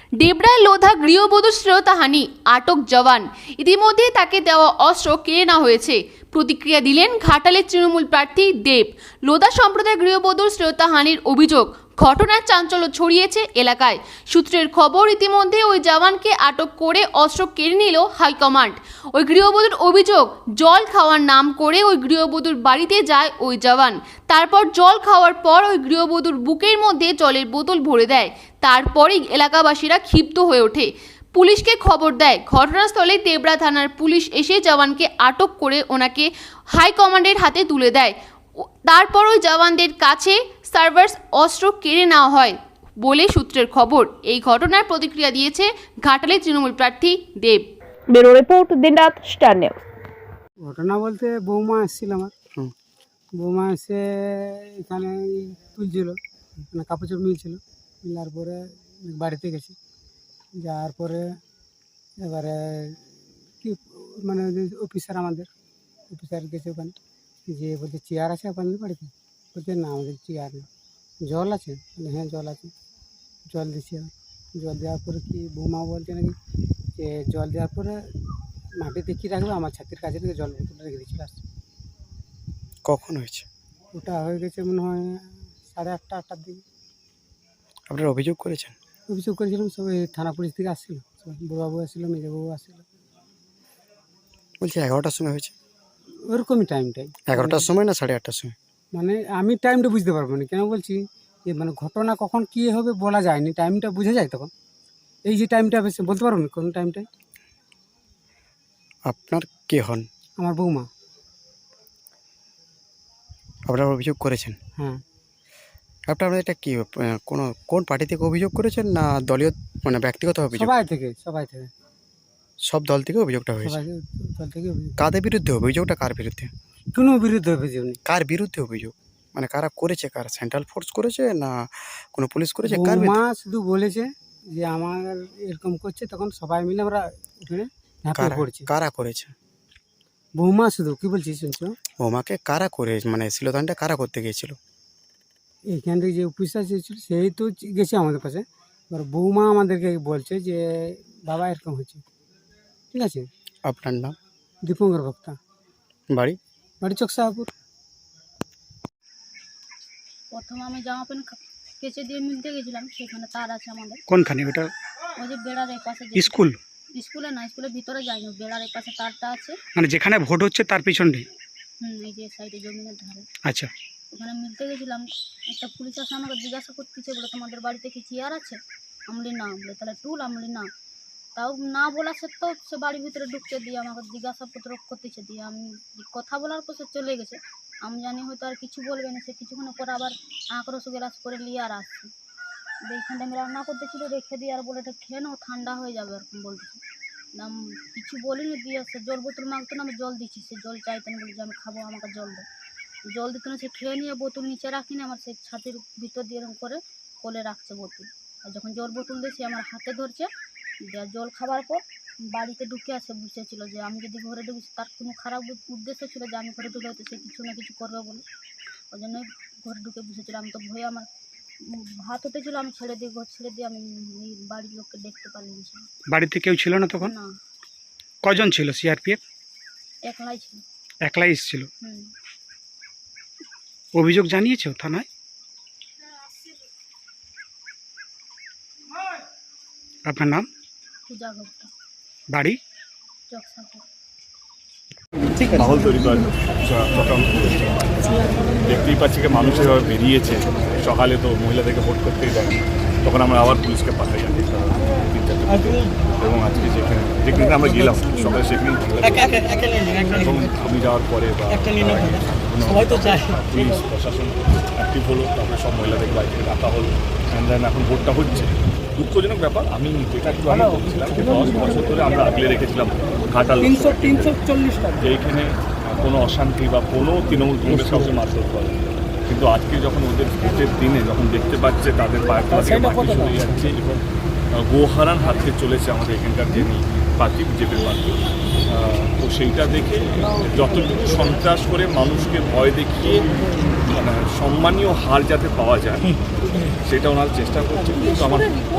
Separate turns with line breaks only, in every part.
ডেবরায় লোধা গৃহবধূ শ্রেয়তাহানি, আটক জওয়ান। ইতিমধ্যে তাকে দেওয়া অস্ত্র কেড়ে নেওয়া হয়েছে। প্রতিক্রিয়া দিলেন ঘাটালের তৃণমূল প্রার্থী দেব। লোধা সম্প্রদায়ের গৃহবধূর শ্রেয়তাহানির অভিযোগ, ঘটনার চাঞ্চল্য ছড়িয়েছে এলাকায়। সূত্রের খবর, ইতিমধ্যে ওই জওয়ানকে আটক করে অস্ত্র কেড়ে নিল হাইকমান্ড। ওই গৃহবধূর অভিযোগ, জল খাওয়ার নাম করে ওই গৃহবধূর বাড়িতে যায় ওই জওয়ান। তারপর জল খাওয়ার পর ওই গৃহবধূর বুকের মধ্যে জলের বোতল ভরে দেয়। তারপরেই এলাকাবাসীরা ক্ষিপ্ত হয়ে ওঠে, পুলিশকে খবর দেয়। ঘটনাস্থলে তেবরা থানার পুলিশ এসে জওয়ানকে আটক করে ওনাকে হাইকমান্ডের হাতে তুলে দেয়। তারপর ওই জওয়ানদের কাছে সার্ভার্স অস্ত্র কেড়ে নেওয়া হয় বলে সূত্রের খবর। এই ঘটনার প্রতিক্রিয়া দিয়েছে ঘাটালের তৃণমূল প্রার্থী দেব।
ব্যুরো রিপোর্ট, দিনরাত স্টার নিউজ।
ঘটনা বলতে বৌমা এসেছিল আমার। বৌমা এসে এখানে তুলছিল, মানে কাপড় চোপড় মিলছিল। মিলার পরে বাড়িতে গেছি, যাওয়ার পরে এবারে কি মানে অফিসার, আমাদের অফিসার গেছে ওখানে, যে বলছে চেয়ার আছে আপনাদের বাড়িতে? বলছে না, আমাদের চেয়ার নেই। জল আছে? বলে হ্যাঁ জল আছে। জল দিচ্ছি। জল দেওয়ার পরে কি বৌমা বলছে নাকি যে জল দেওয়ার পরে মাটিতে কী রাখবে, আমার ছাতির কাছে থেকে জল বোতলটা রেখে দিচ্ছিল। আসছে
কখন হয়েছে?
ওটা হয়ে গেছে মনে হয় 8:30-8টার দিকে।
আপনারা অভিযোগ করেছেন?
অভিযোগ করেছিলাম, সবাই থানা পুলিশ থেকে আসছিল, বড়বাবু আসছিলো, মেজবাবু আসছিল।
বলছি 11টার সময় হয়েছে?
ওরকমই টাইমটাই।
11টার সময় না 8:30টার সময়?
মানে আমি টাইমটা বুঝতে পারবো না, কেন বলছি যে মানে ঘটনা কখন কী হবে বলা যায়নি, টাইমটা বোঝা যায় তখন। এই যে টাইমটা বেশি বলতে পারবো না কোন টাইমটাই।
আপনার কে হন?
আমার বৌমা।
আপনারা অভিযোগ করেছেন?
হ্যাঁ।
আপনারা এটা কি কোন পার্টি থেকে অভিযোগ করেছেন, না দলীয় মানে ব্যক্তিগত অভিযোগ?
সবাই থেকে
সব দল থেকে অভিযোগটা হয়েছে?
সবাই দল থেকে অভিযোগ।
কাদের বিরুদ্ধে অভিযোগটা? কার বিরুদ্ধে?
কোনো বিরুদ্ধে অভিযোগ নেই।
কার বিরুদ্ধে অভিযোগ? মানে কারা করেছে? কার, সেন্ট্রাল ফোর্স করেছে না কোনো পুলিশ করেছে? কার
বৌমা
বিরুদ্ধে?
শুধু বলেছে যে আমার এরকম করছে, তখন সবাই মিলে আমরা উঠে ঝাঁপিয়ে পড়ছি।
কারা করেছে?
বৌমা শুধু, কি বলছিস শুনছো?
বৌমাকে কারা করে, মানে শিলদানটা কারা করতে গিয়েছিল?
এইখান থেকে যে অফিসার ছিল সেই তো গেছে আমাদের পাশে। এবার বৌমা আমাদেরকে বলছে যে বাবা এরকম হচ্ছে। ঠিক আছে।
আপনার নাম?
দীপঙ্কর ভক্তা।
বাড়ি?
বাড়ি চকসাহাপুর।
প্রথমে আমি জামা প্যান্ট কেচে দিয়ে মিলতে গেছিলাম, সেখানে তার আছে আমাদের।
কোনখানে ওটা?
ওই যে বেড়ার এই পাশে
স্কুল?
স্কুলে না, স্কুলের ভিতরে যাইনি, বেড়ার এই পাশে তারটা আছে।
মানে যেখানে ভোট হচ্ছে তার পিছনে?
এই যে সাইডে জমিনের ধারে।
আচ্ছা।
ওখানে মিলতে গেছিলাম, একটা পুলিশ আসে আমাকে জিজ্ঞাসা করতেছে, বলে তোমাদের বাড়িতে কি চেয়ার আছে? আমলি না। বলে তাহলে টুল? আমলি না। তাও না বলা সত্ত্বেও সে বাড়ির ভিতরে ঢুকছে, দিয়ে আমাকে জিজ্ঞাসাপত্র করতেছে। দিয়ে আমি কথা বলার পর সে চলে গেছে। আমি জানি হয়তো আর কিছু বলবে না। সে কিছুক্ষণ পরে আবার আঁকড়স গ্রাস করে নিয়ে আর আসছে। এইখানটা আমি রান্না করতেছিল, রেখে দিয়ে আর বলে এটা খেয়ে নাও, ঠান্ডা হয়ে যাবে, এরকম বলতেছে। আমি কিছু বলিনি। দিয়ে সে জল বোতল মাগতো না, আমি জল দিচ্ছি। সে জল চাইতেন, বলি যে আমি খাবো, আমাকে জল দেয়। জল দিত না। সে খেয়ে নিয়ে বোতল নিচে রাখিনি, আমার সেই ছাতির ভিতর দিয়ে এরকম করে কোলে রাখছে বোতল। আর যখন জল বোতল দিয়ে সে আমার হাতে ধরছে, দিয়ে জল খাবার পর বাড়িতে ঢুকে আসে বুঝেছিল যে আমি যদি ঘরে ঢুকি, তার কোনো খারাপ উদ্দেশ্য ছিল যে আমি ঘরে ঢুকে হয়তো সে কিছু না কিছু করবে বলে। ওই জন্যই ঘরে ঢুকে বসেছিল। আমি তো ভয়ে, আমার ভাত হতেছিল, আমি ছেড়ে দিয়ে ঘর ছেড়ে দিয়ে আমি বাড়ির লোককে দেখতে পারিনি।
বাড়িতে কেউ ছিল না তখন?
না,
কজন ছিল সিআরপিএফ?
একলাই ছিল।
একলাই এসেছিল?
হুম।
অভিযোগ জানিয়েছো থানায়? আপনার নাম?
পূজা গুপ্তা।
বাড়ি?
চকসাপুর।
মাহল তৈরি করার চক্রান্ত করেছে। দেখতেই পাচ্ছি যে মানুষ এভাবে বেরিয়েছে। সকালে তো মহিলাদেরকে ভোট করতেই দেয়, তখন আমরা আবার পুলিশকে পাঠাই জানি। এবং আজকে যেখানে আমরা গেলাম সকালে, সেখানেই এবং আমি যাওয়ার পরে বা পুলিশ প্রশাসন অ্যাক্টিভ হলো, তারপরে সব মহিলাদেরকে বাড়ি থেকে ডাকা হলো। এখন ভোটটা হচ্ছে। দুঃখজনক ব্যাপার। আমি যেটা একটু আগে বলছিলাম যে 10 বছর ধরে আমরা আগলে রেখেছিলাম ঘাটাল, যে এইখানে কোনো অশান্তি বা কোনো তৃণমূল কংগ্রেস কাউকে মারধর করে। কিন্তু আজকে যখন ওদের ভোটের দিনে যখন দেখতে পাচ্ছে তাদের পায়ের তলা থেকে মাটি সরে যাচ্ছে এবং গোহারান হাতে চলেছে আমাদের এখানকার যিনি প্রার্থী, বিজেপির প্রার্থী। তো সেইটা দেখে যতটুকু সন্ত্রাস করে মানুষকে ভয় দেখিয়ে মানে সম্মানীয় হার যাতে পাওয়া যায় সেটা ওনারা চেষ্টা করছে। কিন্তু আমার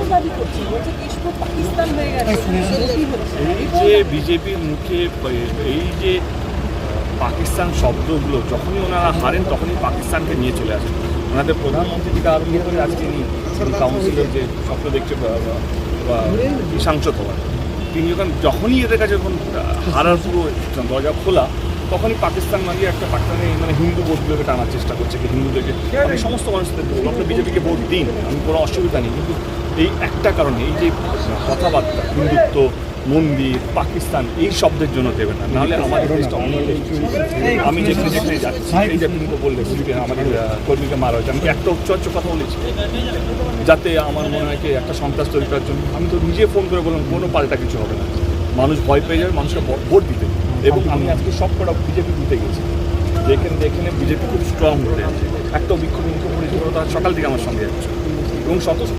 এই যে বিজেপির মুখে এই যে পাকিস্তান শব্দগুলো যখনই ওনারা হারেন তখনই পাকিস্তানকে নিয়ে চলে আসেন। ওনাদের প্রধানমন্ত্রী থেকে আরম্ভ করে আজকে নিয়ে কাউন্সিলের যে স্বপ্ন দেখছে বা সাংসদ হওয়ার, তিনি যখনই এদের কাছে যখন হারার পুরো দরজা খোলা তখনই পাকিস্তান মানিয়ে একটা পাকিস্তানে মানে হিন্দু ভোটগুলোকে টানার চেষ্টা করছে কি হিন্দুদেরকে। আমি সমস্ত মানুষদের বলবো আপনার বিজেপিকে ভোট দিন, আমি কোনো অসুবিধা নেই, কিন্তু এই একটা কারণে এই যে কথাবার্তা হিন্দুত্ব, মন্দির, পাকিস্তান এই শব্দের জন্য দেবেন না, নাহলে আমাদের দেশটা অনেক। আমি যেখানে যেখানে যাচ্ছি এই যে আপনি তো বললে আমাদের কর্মীকে মারা হয়েছে, আমি একটা উচ্চ কথা বলেছি যাতে আমার মনে হয় কি একটা সন্ত্রাস তৈরি করার জন্য। আমি তো নিজে ফোন করে বললাম কোনো পাল্টা কিছু হবে না, মানুষ ভয় পেয়ে যাবে, মানুষকে ভোট দিতে। এবং আমি আজকে সব কটা বিজেপি দিতে গেছি, যেখানে বিজেপি খুব স্ট্রং হয়ে আছে, একটা বিক্ষোভ করেছিল, তার সকাল থেকে আমার সঙ্গে যাচ্ছে এবং